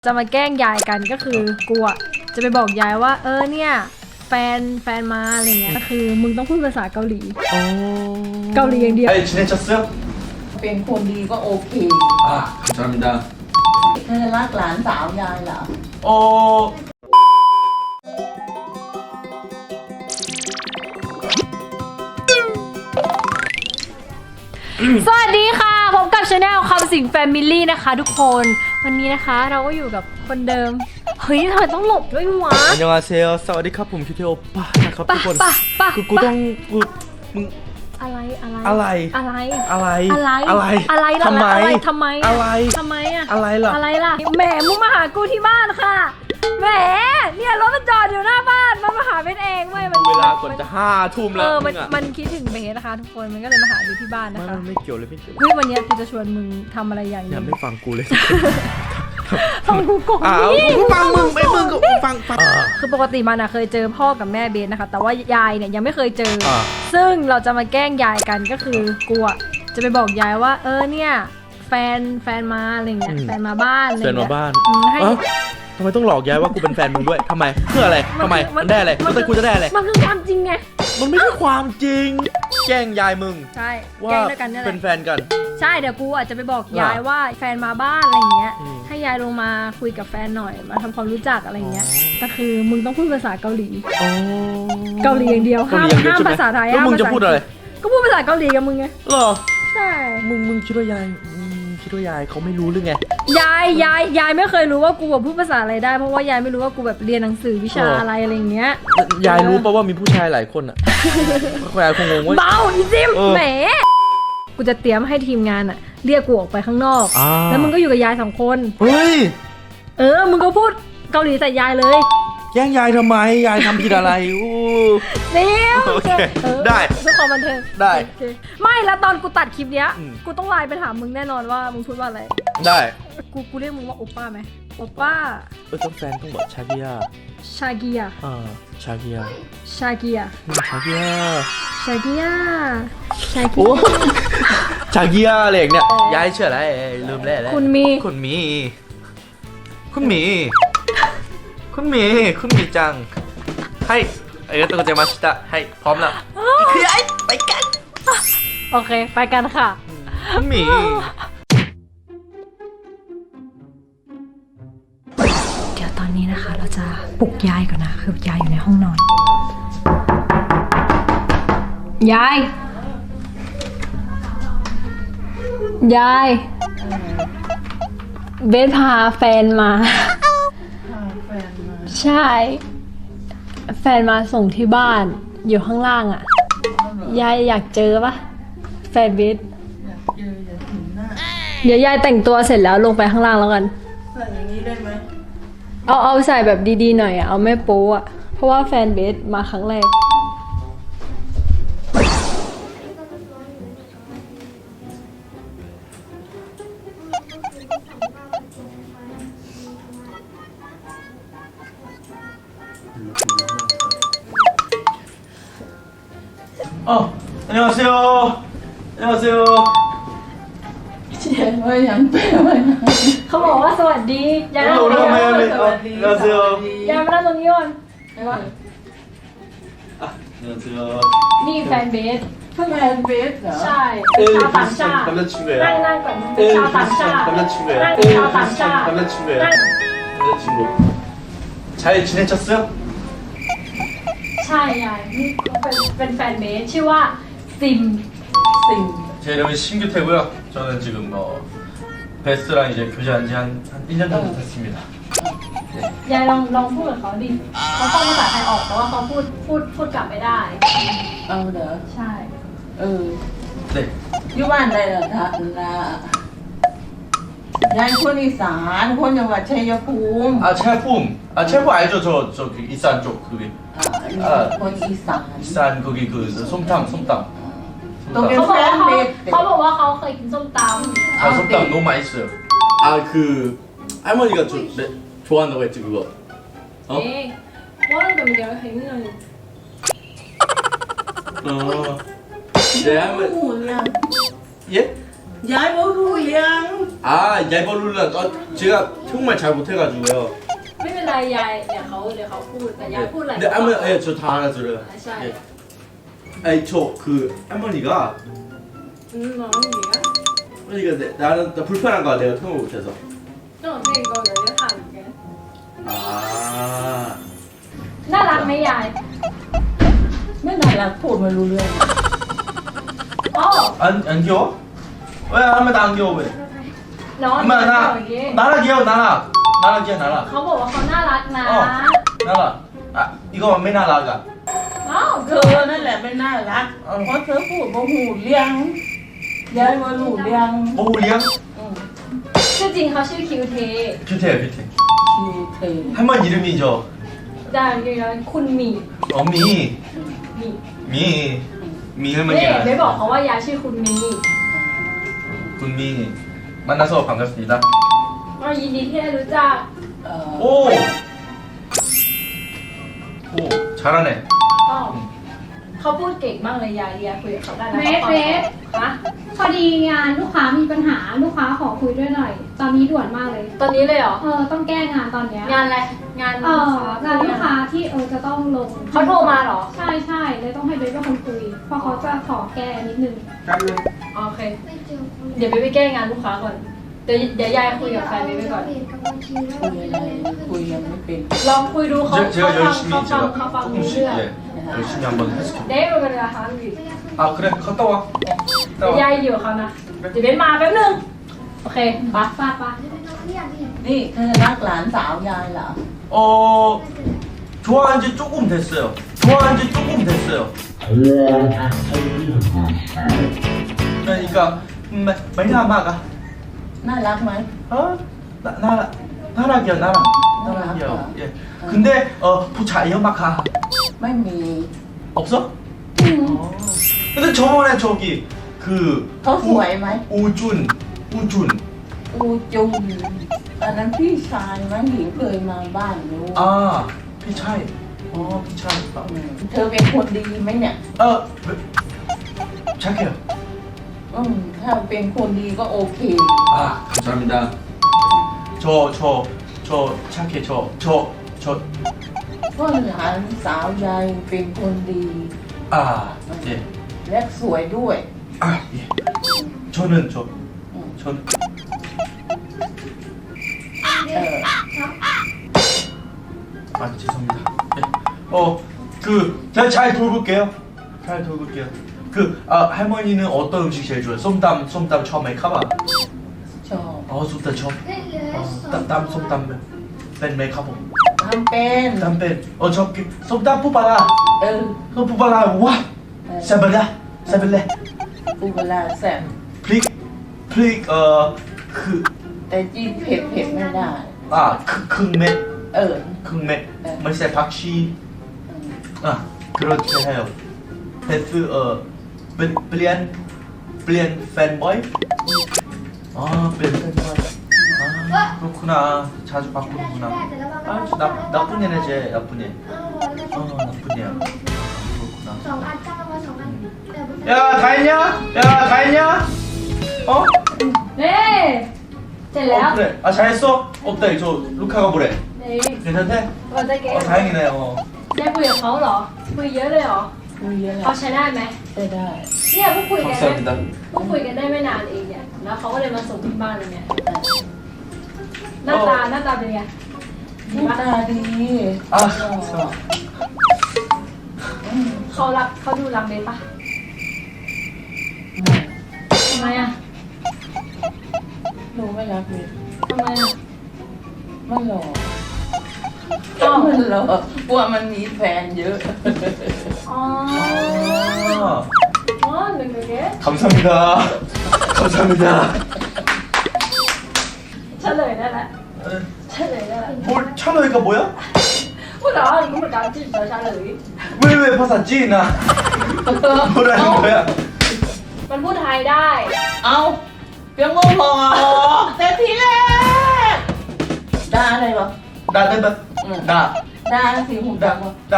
จะมาแกล้งยายกันก็คือกูอ่ะจะไปบอกยายว่าเนี่ยแฟนมาอะไรเงี้ยก็คือมึงต้องพูดภาษาเกาหลีเกาหลีอย่างเดียว 지내셨어요? เป็นคนดีก็โอเค 감사합니다. เธอรักหลานสาวยายเหรอ 어, สวัสดีค่ะพบกับชาแนลคำสิงแฟมิลี่นะคะทุกคนวันนี้นะคะเราก็อยู่กับคนเดิมเฮ้ยทำไมต้องหลบด้วยวะ 안녕하세요. 사와디캅ผมคิวเทโอป้านะครับทุกคนป่ะคือกูต้องมึงอะไรอะไรอะไรอะไรอะไรอะไรอะไรล่ะทำไมทำไมอะไรทำไมอะอะไรล่ะอะไรล่ะแหมมึงมาหากูที่บ้านค่ะแหมเนี่ยรถมันจอดอยู่หน้าบ้านมันมาหาเบสเองเว้ยเวลาก่อนจะ5 ทุ่มแล้วมันคิดถึงเบสนะคะทุกคนมันก็เลยมาหาอยู่ที่บ้านนะคะไม่เกี่ยวเลยไม่เกี่ยวเฮ้ยวันนี้กูจะชวนมึงทำอะไรอย่างอย่านี้ไม่ฟังกูเลยทำกูโกงกูฟังมึงไม่มึงก็ฟังคือปกติมันอะเคยเจอพ่อกับแม่เบสนะคะแต่ว่ายายเนี่ยยังไม่เคยเจอซึ่งเราจะมาแกล้งยายกันก็คือกูอะจะไปบอกยายว่าเนี่ยแฟนมาอะไรเงี้ยแฟนมาบ้านอะไรเดินเงี้มาย บ้านให้ทำไมต้องหลอกยายว่ากูเป็นแฟนมึงด้วยทำไมเพื่ออะไรทำไมมันได้อะไรแล้วแต่กูจะได้อะไรมันคือความจริงไงมันไม่ใช่ความจริงแกล้งยายมึงใช่ว่าแกล้งด้วยกันนี่แหเป็ละนแฟนกันใช่เดี๋ยวกูอาจจะไปบอกยายว่าแฟนมาบ้านอะไรเงี้ยอืมให้ยายลงมาคุยกับแฟนหน่อยมาทำความรู้จักอะไรเงี้ยก็คือมึงต้องพูดภาษาเกาหลี เกาหลีอย่างเดียวห้ามเกลีอย่งเดียวใช่ไหภาษาไทยแล้วมึงจะพูดอะไรก็พูดภาษาเกาหลีกับมึงไงเหรอใช่มึงคิดว่ายายคิดว่ายายเขาไม่รู้หรือไงยายไม่เคยรู้ว่ากูแบบพูดภาษาอะไรได้เพราะว่ายายไม่รู้ว่ากูแบบเรียนหนังสือวิชาอะไรเงี้ยยายรู้ป่ะว่ามีผู้ชายหลายคนอ่ะ ยายคงงงว่าเบาอีจิมเออแหมกูจะเตรียมให้ทีมงานอะเรียกกูออกไปข้างนอก แล้วมึงก็อยู่กับยาย2 คนเฮ้ยมึงก็พูดเกาหลีใส่ยายเลยแย่งยายทำไมยายทำผิดอะไรอู้เดี๋ยวโอเค ได้เพื่อความบันเทิงได้โอเคไม่แล้วตอนกูตัดคลิปเนี้ยอืมกูต้องไลน์ไปถามมึงแน่นอนว่ามึงพูดว่าอะไรได้กูเรียกมึงว่าโอป้าไหมโอป้าต้องแฟนต้องบอกชาเกียชาเกียชาเกียชาเกียชาเกียชาเกียชาเกีโอ้ยชาเกียอะไรอย่างเนี้ยยายเชื่ออะไรลืมแล้วคุณมีคุณหมีจังให้ありがとうございましたให้พร้อมแล้วคือยายไปกันโอเคไปกันค่ะคุณหมีเดี๋ยวตอนนี้นะคะเราจะปลุกยายก่อนนะคือยายอยู่ในห้องนอนยายเบสพาแฟนมาแฟนมาใช่ แฟนมาส่งที่บ้านอยู่ข้างล่างอ่ะ ยายอยากเจอปะแฟนเบสเจออย่าถึงหน้าเดี๋ยวยายแต่งตัวเสร็จแล้วลงไปข้างล่างแล้วกันใส่อย่างนี้ได้ไหมเอาใส่แบบดีๆหน่อยอ่ะเอาไม่โป๊อ่ะเพราะว่าแฟนเบสมาครั้งแรก 안녕하세요. 안녕하세요. เชียร์ว่ายังแปลว่ายังเขาบอกว่าสวัสดียายนั่งตรงนี้ก่อน 안녕하세요. ยายมานั่งตรงนี้ก่อน 안녕하세요. นี่แฟนเบสเพิ่งแฟมานเบสเหรอใช่เป็นชาวต่างชาติ 남자친구예요. นั่งก่อนเป็นชาวต่างชาติ 남자친구예요. นั่งเป็นชาวต่างชาติ 남자친구예요. นั่ง 남자친구. 잘 지내셨어요? ใช่ยายนี่เป็นแฟนเบสชื่อว่าซิมสิ่ง 제 이름은 신규태고요. 저는 지금 베스랑 이제 교제한 지 한 1년 정도 됐습니다. ยายลองพูดกับเขาดิเขาฟังภาษาไทยออกแต่ว่าเขาพูดกลับไม่ได้เอาเหรอใช่ 네. อยู่บ้านใดเหรอท่านนะยายคนอีสานคนจังหวัดชัยภูมิ 체품 알죠? 저 그 이산 쪽 거기. คนอีสาน 이산 거기 그 솜땅. ตรงเป็นเขาบแฟอกว่านเบสเขาบอกว่าเขาเคยกินส้มต 아 솜땅 너무 맛있어요. 아 그 할머니가 좋아한다고 했지 그거 ำเอ๊ะว่าแต่เดี๋ยวเห็นหน่อย 네 할머니 หูเรื่อง 예? ยายบ่รู้เรื่อง 아 얄벌룰라 제가 정말 잘 못해가지고요. ไม่เป็นไรยายเดี๋ยวเขาพูดแต่ยายพูดอะไร 근데 할머니, 예, 저 다 알아들어요. 아, 잘. 예. 아니 저 그 할머니가 น้องหญิงอะ 할머니가 나는 나 불편한 거야 내가 통역 못해서. น้องเพลงก็เดี๋ยวจะถามแก 아. น่ารักไหมยายไม่น่ารักพูดไม่รู้เรื่องอ๋อ 안 귀여워? 왜 할머니 나안 귀여워 왜? น้อง 엄마 เ 나 나라 귀여워 나라 귀여워 나라 ขาบอกว่าเขาน่ารักนะ 나라 아 이거ไม่น่ารักอ่ะอ้าวเธอนั่นแหละไม่น่ารักเพราะเธอพูดบ่หูเลี้ยงยายบ่หูเลี้ยงโอ้เลี้ยงชื่อจริงเขาชื่อคิวเท 뷰티 뷰티 คิวเท 할머니 이름이죠 ด่านอยู่นั้นคุณหมี 어미 หมี 미 เน่ 할머니가 ไม่บอกเขาว่ายายชื่อคุณหมี 군미 만나서 반갑습니다 ก็ยินดีที่ได้รู้จัก 오 잘하네 อ๋อเขาพูดเก่งมากเลยยายคุยกับเขาได้นะเบสฮะพอดีงานลูกค้ามีปัญหาลูกค้าขอคุยด้วยหน่อย ตอนนี้ด่วนมากเลยตอนนี้เลยเหรอต้องแก้งานตอนเนี้ยงานอะไร งานงานลูกค้าที่จะต้องลงเขาโทรมาเหรอใช่เลยต้องให้เบสเป็นคนคุยเพราะเขาจะขอแก้นิดนึงโอเค เดี๋ยวไปแก้งานลูกค้าก่อน เดี๋ยวยายคุยกับแฟนไปก่อนคุยยังไม่เป็นลองคุยดูเขา 제가 열심히 เขา 제가 ฟังรู้ 조금씩 เรื่อง 예, 열심히 한번 해줄게 เด้เป็นเวลาค้างอยู่ 아 그래 갔다 와 เดี๋ยวยายอยู่กับเขานะ เดี๋ยวเบนมาแป๊บนึง โอเคปะป้านี่เธอรักหลานสาวยายเหรอ 좋아한 지 조금 됐어요 좋아한 지 조금 됐어요 그러니까 말라마가 น่ารักไหม 나락이요 나락 나락이요. 예. 근데 부차 연막하 ไม่มี 없어? 근데 저번에 저기 그 เขาสวยไหม 우준 อูจุนอันนั้นพี่ชายมั้งหญิงเคยมาบ้านรู้ 아 피차이 피차이 เธอเป็นคนดีไหมเนี่ย 착해요 ถ้าเป็นคนดีก็โอเค 아 감사합니다 저 착해 저 ก็หลานสาวยายเป็นคนดี 예. และสวยด้วย 예. 저는 เออ 죄송합니다 예. 제가 잘 돌볼게요 할머니는 어떤 음식 제일 좋아해요? 쏨땀 처음에 카바 ชอบ 쏨땀 처음 쏨땀 뺀 메카보 ทำเป็น 땀뺀 저기 쏨땀 뽑아라 เออ 뽑아라 와 세벨레 ปูเวลาแซ่บ 플릭 แต่จีนเผ็ดไม่ได้ 크맥 เออ 크맥 말세 박시 그렇게 해요 베스 블리안 팬보이 블리안 팬보이 그렇구나 자주 바꾸는구나 나쁜 애네 쟤 나쁜 애 나쁜 애야 그렇구나 2 อันจ้างมา2 อันแต่ 야 다 했냐? 어? เน่เสร็จแล้ว 그래 잘했어? 어때 저 루카가 뭐래? นี่ 괜찮대? เราจะเก็บ 다행이네 ได้คุยกับเขาเหรอ คุยเยอะเลยเหรอคุยเยอะเขาใช้ได้ไหมได้ได้เนี่ยเพิ่งคุยกันได้ 감사합니다 เพิ่งคุยกันได้ไม่นานเองเนี่ย แล้วเขาก็เลยมาส่งที่บ้านเลยเนี่ย หน้าตาเป็นไงหน้าตาดี 아 เขาดูรักเบสปะทำไมอ่ะหนูไม่รักเลยทำไมอ่ะมันหล่ออ้าวมันหล่อกลัวมันมีแฟนเยอะอ๋อ หนึ่งเด็ก 감사합니다 เฉลยได้แล้วเฉลยได้แล้ว 뭘 찬호이가 뭐야? พูดเหรอรู้เหมือนกันที่เฉลย 왜 파사지 나 뭐라는 거야? มันพูดไทยได้เอาเพียงโง่พอแต่ทีแรกด่าอะไรวะ 나 내가 나 ด่าสิหูดังวะ 나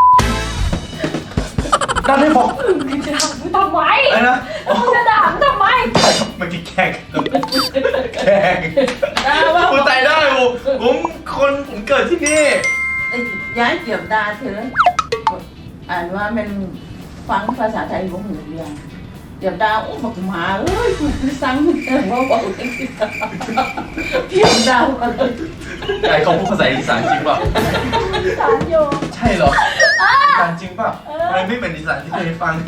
해봐 มึงจะด่ามึงทำไม 아니야 มึงจะด่ามึงทำไมเมื่อกี้แกล้งแกล้งกูตายได้ผมเกิดที่นี่ย้ายเจียบดาเธออ่านว่ามันฟังภาษาไทยของหนูเรียนเจียบดาโอ้บักหมาเอ้ยกูสั่งว่าบอกเจียบดาอะไรไอ้เขาพูดภาษาอีสานจริงป่ะสารโยใช่เหรออีสานจริงป่ะมันไม่เป็นอีสานที่เคยฟัง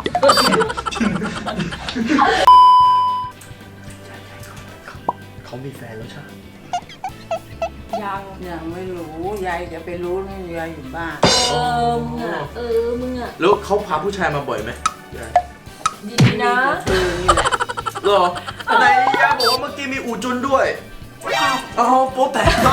เขามีแฟนแล้วใช่ไหมยังไม่รู้ยายจะไปรู้นี่ยายอยู่บ้านมึงอ่ะแล้วเขาพาผู้ชายมาบ่อยไหมดีนะเธอนี่แหละเหรอไหนย่าบอกว่าเมื่อกี้มีอูจุนด้วยเอาโป๊ะแตกมาก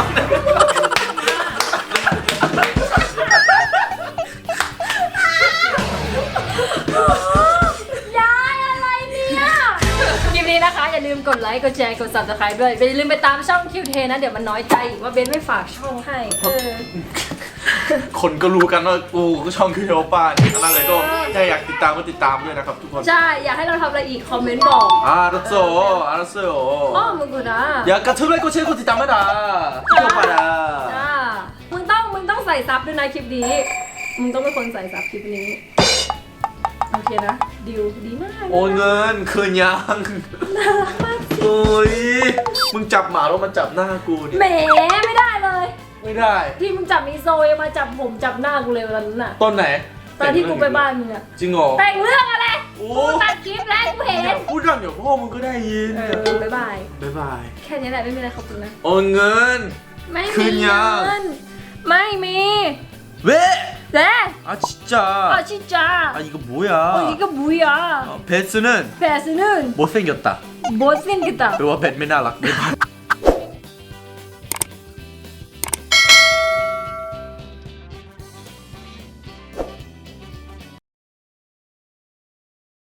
ยายอะไรเนี่ยคลิปนี้นะคะอย่าลืมกดไลค์กดแชร์กด subscribe ด้วยอย่าลืมไปตามช่องคิวเทนะเดี๋ยวมันน้อยใจอีกว่าเบนไม่ฝากช่องให้คนก็รู้กันว่ากูก็ช่องคือโยป้านี่นั่นเลยก็ถ้าอยากติดตามก็ติดตามด้วยนะครับทุกคนใช่อยากให้เราทำอะไรอีกคอมเมนต์บอก 알았어요 อ้อมึงกูนะ 야 까투라이코 체코 뒷담화다 이거봐라 จ้ามึงต้องใส่ซับด้วยนะคลิปนี้มึงต้องเป็นคนใส่ซับคลิปนี้โอเคนะดิวดีมาก 오늘 그냥 오이 มึงจับหมาแล้วมันจับหน้ากูดิแหมไม่ได้เลยไม่ได้ที่มึงจับมีโซยมาจับผมจับหน้ากูเลยวันนั้นน่ะต้นไหนตอนที่กูไปบ้านมึงอะจริงเหรอแต่งเรื่องอะไรโอ้กูตัดคลิปแล้วกูเห็นพูดดังเดี๋ยวพ่อมึงก็ได้ยินบ๊ายบายบ๊ายบายแค่นี้แหละไม่มีอะไรขอบคุณนะ 오늘 ไม่คืมีนยังเงินไม่มี 왜? เด้ 아 진짜 อาชิจ้า 아 이거 뭐야 โอ้ยก็บุยอ่ะ 베스는 แฟสนึน 못생겼다 บอสซินกันต่อ 그리고 뱃 맨날 락